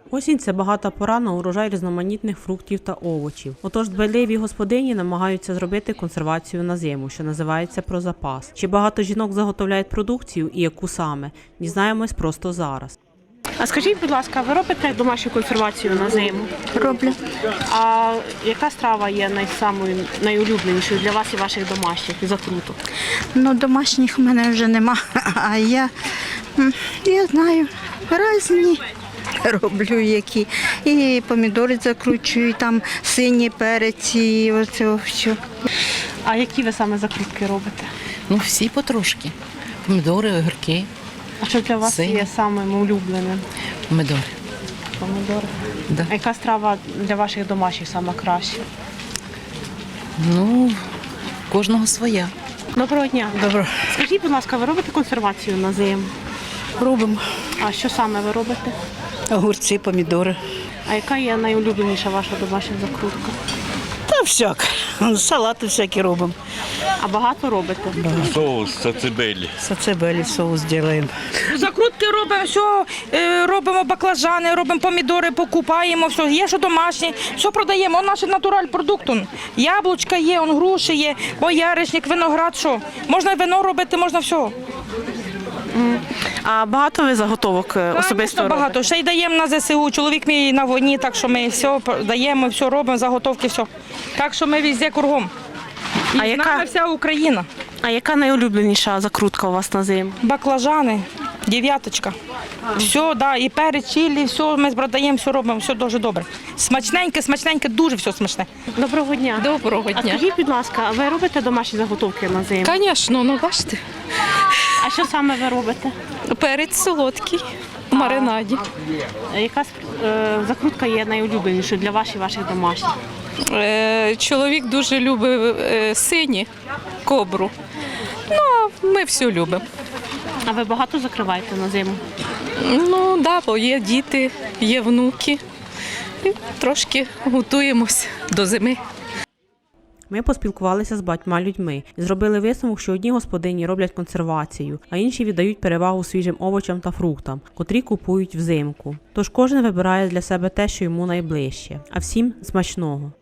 Осінь – це багата пора на урожай різноманітних фруктів та овочів. Отож, дбайливі господині намагаються зробити консервацію на зиму, що називається про запас. Чи багато жінок заготовляють продукцію і яку саме? Дізнаємось просто зараз. А скажіть, будь ласка, ви робите домашню консервацію на зиму? Роблю. А яка страва є найулюбленішою для вас і ваших домашніх закруток? Ну, домашніх в мене вже нема, а я знаю, різні роблю які. І помідори закручую, і там сині перець, і оце все. А які ви саме закрутки робите? Ну, всі потрошки. Помідори, огірки. А що для вас Сині. є самим улюбленим? Помідори. Помідори. Да. А яка страва для ваших домашніх сама краща? Ну, кожного своя. Доброго дня. Добре. Скажіть, будь ласка, ви робите консервацію на зиму? Робимо А що саме ви робите? огурці, помідори. А яка є найулюбленіша ваша домашня закрутка? Та всяк. Салати всякі робимо. А багато робите? Соус сацебелі. Сацебелі соус робимо. Закрутки робимо, все, робимо баклажани, робимо помідори, покупаємо, все, є що домашнє, все продаємо. Он наш натураль продукт. Яблучка є, он груші є, бояришник, виноград, що. Можна вино робити, можна все. А багато ви заготовок особисто Звісно, робите? багато. Ще й даємо на ЗСУ. Чоловік мій на війні, так що ми все даємо, все робимо, заготовки, все. Так що ми везде кругом. І А з яка- нами вся Україна. А яка найулюбленіша закрутка у вас на зиму? Баклажани, дев'яточка. Все, да, і перець, чилі, все ми продаємо, все робимо, все дуже добре. Смачненьке, смачненьке, дуже все смачне. Доброго дня. Доброго А дня. скажіть, будь ласка, а ви робите домашні заготовки на зиму? Звісно, ну бачите, А що саме ви робите? перець солодкий в маринаді. Яка закрутка є найулюбленішою для вас і ваших домашніх? Чоловік дуже любить сині, кобру. Ну, ми все любимо. А ви багато закриваєте на зиму? Ну, да, бо є діти, є внуки. І трошки готуємось до зими. Ми поспілкувалися з багатьма людьми і зробили висновок, що одні господині роблять консервацію, а інші віддають перевагу свіжим овочам та фруктам, котрі купують взимку. Тож кожен вибирає для себе те, що йому найближче. А всім смачного!